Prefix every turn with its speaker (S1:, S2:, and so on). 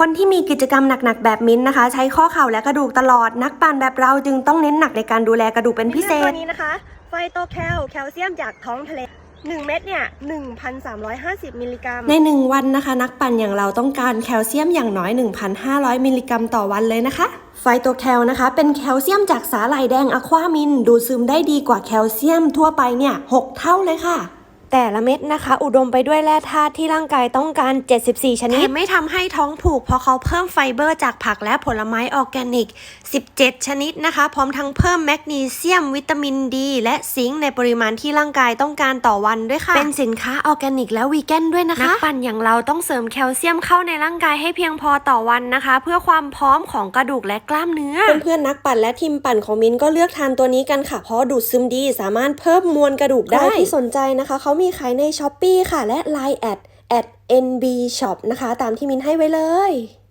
S1: คนที่มีกิจกรรมหนักๆแบบมิ้นนะคะใช้ข้อเข่าและกระดูกตลอดนักปั่นแบบเราจึงต้องเน้นหนักในการดูแลกระดูกเป็นพิเศษ
S2: ตัวนี้นะคะไฟโตแคลแคลเซียมจากท้องทะเล1 เม็ดเนี่ย 1,350 มิลลิกรัม
S1: ใน1 วันนะคะนักปั่นอย่างเราต้องการแคลเซียมอย่างน้อย 1,500 มิลลิกรัมต่อวันเลยนะคะไฟโตแคลนะคะเป็นแคลเซียมจากสาหร่ายแดงอะความินดูดซึมได้ดีกว่าแคลเซียมทั่วไปเนี่ย6 เท่าเลยค่ะแต่ละเม็ดนะคะอุดมไปด้วยแร่ธาตุที่ร่างกายต้องการ74ชนิดไม่ทำให้ท้องผูกเพราะเขาเพิ่มไฟเบอร์จากผักและผลไม้ออร์แกนิก17ชนิดนะคะพร้อมทั้งเพิ่มแมกนีเซียมวิตามินดีและซิงค์ในปริมาณที่ร่างกายต้องการต่อวันด้วยค่ะเป็นสินค้าออร์แกนิกและวีแกนด้วยนะคะนักปั่นอย่างเราต้องเสริมแคลเซียมเข้าในร่างกายให้เพียงพอต่อวันนะคะเพื่อความพร้อมของกระดูกและกล้ามเนื้อเพื่อนๆนักปั่นและทีมปั่นของมิ้นก็เลือกทานตัวนี้กันค่ะเพราะดูดซึมดีสามารถเพิ่มมวลกระดูกได้ที่สนใจนะคะเขามีขายใน Shopee ค่ะและ Line@ @NB Shop นะคะตามที่มิ้นให้ไว้เลย